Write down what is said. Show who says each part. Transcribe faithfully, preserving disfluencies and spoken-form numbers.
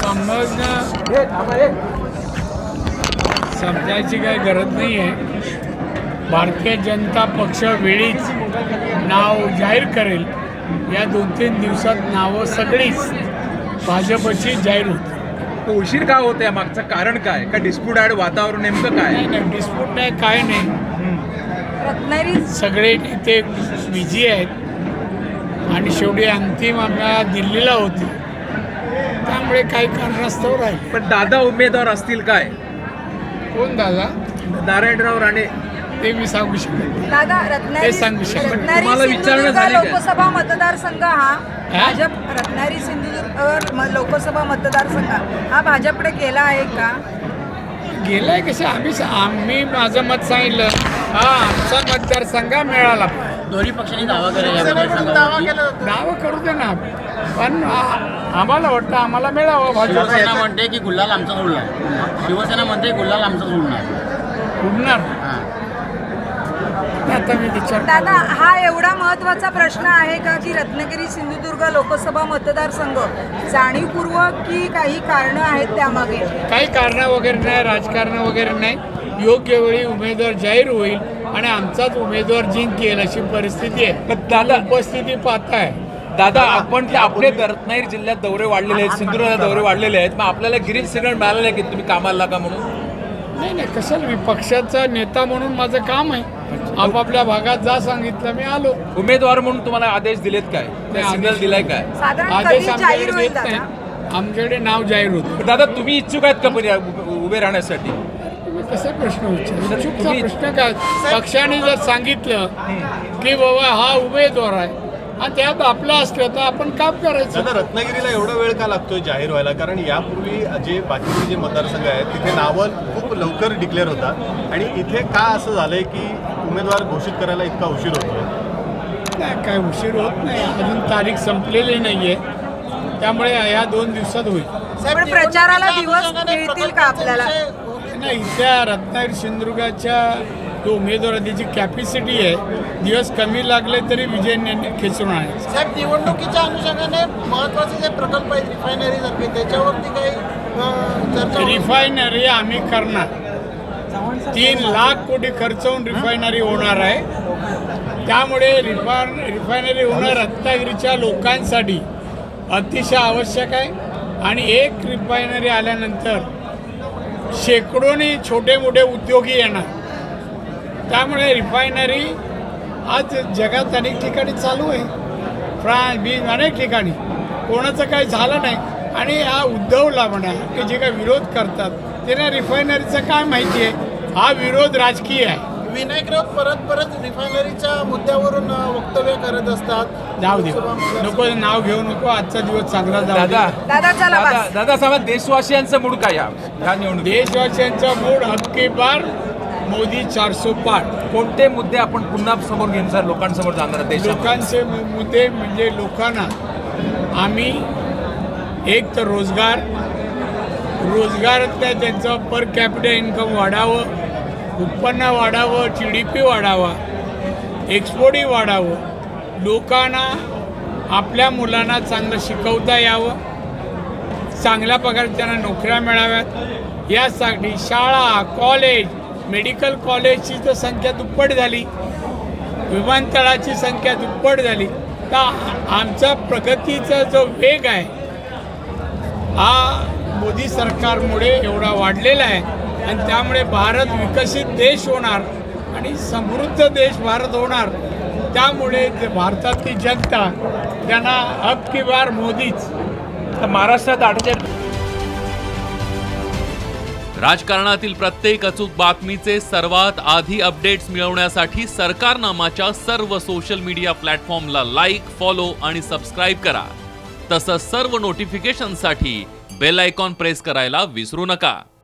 Speaker 1: समजणं समजायची काही गरज नाही आहे. भारतीय जनता पक्ष वेळीच नाव जाहीर करेल. या दोन तीन दिवसात नावं सगळीच भाजपची जाहीर होती.
Speaker 2: उशीर का होत आहे? मागचं कारण काय? का डिस्प्यूट ॲड वातावरण नेमकं काय?
Speaker 1: नाही नाही डिस्प्यूट नाही काय नाही.
Speaker 3: रत्नागिरी
Speaker 1: सगळे नेते बिझी आहेत आणि शेवटी अंतिम आम्हाला दिल्लीला होती, त्यामुळे काही कारणास्तव राहील.
Speaker 2: पण दादा उमेदवार असतील काय?
Speaker 1: कोण दादा?
Speaker 2: नारायणराव राणे.
Speaker 1: ते मी सांगू शकत नाही.
Speaker 3: दादा रत्नागिरी
Speaker 1: ते सांगू शकत.
Speaker 3: रत्नागिरी
Speaker 2: तुम्हाला विचारणं
Speaker 3: सिंधुदुर्ग
Speaker 2: झाली काय?
Speaker 3: लोकसभा मतदारसंघ हा
Speaker 1: हा?
Speaker 3: भाजप रत्नागिरी सिंधुदुर्ग म- लोकसभा मतदारसंघ हा भाजपकडे गेला आहे का?
Speaker 1: गेलाय कसं आम्ही आम्ही माझं मत सांगितलं. हा आमचा मतदारसंघ मिळाला.
Speaker 4: दोन्ही पक्षांनी दावा केला.
Speaker 1: नावं करू दे ना, पण आ- आम्हाला वाटतं आम्हाला मिळावं भाजप.
Speaker 4: शिवसेना म्हणते की गुल्हाल आमचा उडणार. शिवसेना म्हणते गुल्हाल आमचा उडणार.
Speaker 1: उडणार आता मी विचार
Speaker 3: दादा हा एवढा महत्त्वाचा प्रश्न आहे का की रत्नागिरी सिंधुदुर्ग लोकसभा मतदारसंघ जाणीवपूर्वक की काही कारणं आहेत त्यामागे?
Speaker 1: काही कारणं वगैरे नाही, राजकारण वगैरे नाही. योग्य वेळी उमेदवार जाहीर होईल आणि आमचाच उमेदवार जिंकेल अशी परिस्थिती आहे.
Speaker 2: पण दादा
Speaker 1: उपस्थिती पाहताय.
Speaker 2: दादा आपण जे आपले रत्नागिरी जिल्ह्यात दौरे वाढलेले आहेत, सिंधुदुर्गात दौरे वाढलेले आहेत, मग आपल्याला ग्रीन सिग्नल मिळालेलं आहे की तुम्ही कामाला लागा म्हणून?
Speaker 1: नाही नाही कशाला, मी पक्षाचा नेता म्हणून माझं काम आहे. आपापल्या भागात जा सांगितलं मी आलो.
Speaker 2: उमेदवार म्हणून तुम्हाला आदेश दिलेत काय? सिग्नल दिलाय काय?
Speaker 3: साधारण
Speaker 1: आदेश
Speaker 3: कधी जाहीर
Speaker 1: आमच्याकडे
Speaker 3: होईल
Speaker 1: येत
Speaker 3: दादा?
Speaker 1: नाही. आमच्याकडे नाव जाहीर होतं.
Speaker 2: दादा तुम्ही इच्छुक आहेत का पण या उभे- उभे राहण्यासाठी?
Speaker 1: तुम्ही कसे प्रश्न विचार चुकीचा
Speaker 2: तुम्ही-
Speaker 1: प्रश्न काय? पक्षाने जर सांगितलं की बाबा हा उमेदवार आहे आणि त्यात आपलं असलं तर आपण काम करायचं.
Speaker 5: दादा रत्नागिरीला एवढा वेळ का लागतोय जाहीर व्हायला? कारण यापूर्वी जे बाकीचे जे मतदारसंघ आहेत तिथे नावं खूप लवकर डिक्लेअर होतात आणि इथे का असं झालंय की उमेदवार घोषित करायला इतका उशीर होतोय?
Speaker 1: नाही काय उशीर होत नाही, अजून तारीख संपलेली नाहीये, त्यामुळे या दोन दिवसात होईल.
Speaker 3: पण प्रचाराला दिवस मिळतील का आपल्याला?
Speaker 1: नाही त्या रत्नागिरी सिंधुदुर्गाच्या जो उमेदवार त्याची कॅपॅसिटी आहे, दिवस कमी लागले तरी विजय ने- खेचून आणायचं.
Speaker 6: साहेब निवडणुकीच्या अनुषंगाने महत्वाचे जे प्रकल्प आहेत रिफायनरी सारखे त्याच्यावरती काही अं, चर्चा होईल?
Speaker 1: रिफायनरी आम्ही करणार. तीन लाख कोटी खर्च होऊन रिफायनरी होणार आहे. त्यामुळे रिफायन रिफायनरी होणं रत्नागिरीच्या लोकांसाठी अतिशय आवश्यक आहे. आणि एक रिफायनरी आल्यानंतर शेकडोनी छोटे मोठे उद्योगी येणार. त्यामुळे रिफायनरी आज जगात अनेक ठिकाणी चालू आहे, फ्रान्स बीज अनेक ठिकाणी. कोणाचं काही झालं नाही. आणि हा उद्धवला म्हणा की जे काही विरोध करतात त्यांना रिफायनरीचं काय माहिती आहे? हा विरोध राजकीय आहे.
Speaker 6: विनायक राऊत परत परत रिफायनरीच्या मुद्द्यावरून अं, वक्तव्य करत असतात.
Speaker 1: जाऊ दे, नको नाव घेऊ नको. आजचा दिवस चांगला जाऊ दे.
Speaker 2: दादा
Speaker 3: दादा चला
Speaker 2: दादा
Speaker 3: बस.
Speaker 2: दादा साहेब देशवासियांचं मूड काय या ह्या निवडणुकीत?
Speaker 1: देशवासियांचा मूड हक्की बार, मोदी चारसो पार.
Speaker 2: कोणते मुद्दे आपण पुन्हा समोर घेऊन सर लोकांसमोर जाणार आहात देशात?
Speaker 1: लोकांचे मु- मुद्दे म्हणजे लोकांना आम्ही एक तर रोजगार रोजगारातल्या त्यांचं पर कॅपिटल इन्कम वाढावं, उत्पन्न वाढावं, जी डी पी वाढावा, एक्सपोर्टही वाढावं, लोकांना आपल्या मुलांना चांगलं शिकवता यावं, चांगल्या प्रकारे त्यांना नोकऱ्या मिळाव्यात, यासाठी शाळा, कॉलेज, मेडिकल कॉलेजची तर संख्या दुप्पट झाली, विमानतळाची संख्या दुप्पट झाली. तर आमचा प्रगतीचा जो वेग आहे हा मोदी सरकारमुळे एवढा वाढलेला आहे. आणि त्यामुळे भारत विकसित देश होणार आणि समृद्ध देश भारत होणार. त्यामुळे जे भारतातली जनता त्यांना अब की बार मोदीच.
Speaker 2: तर महाराष्ट्रात अठ्ठेचाळीस
Speaker 7: राजकारणातील प्रत्येक अचूक बातमीचे सर्वात आधी अपडेट्स मिळवण्यासाठी सरकारनामाच्या सर्व सोशल मीडिया प्लॅटफॉर्मला लाईक, फॉलो आणि सबस्क्राईब करा. तसंच सर्व नोटिफिकेशनसाठी बेल आयकॉन प्रेस करायला विसरू नका.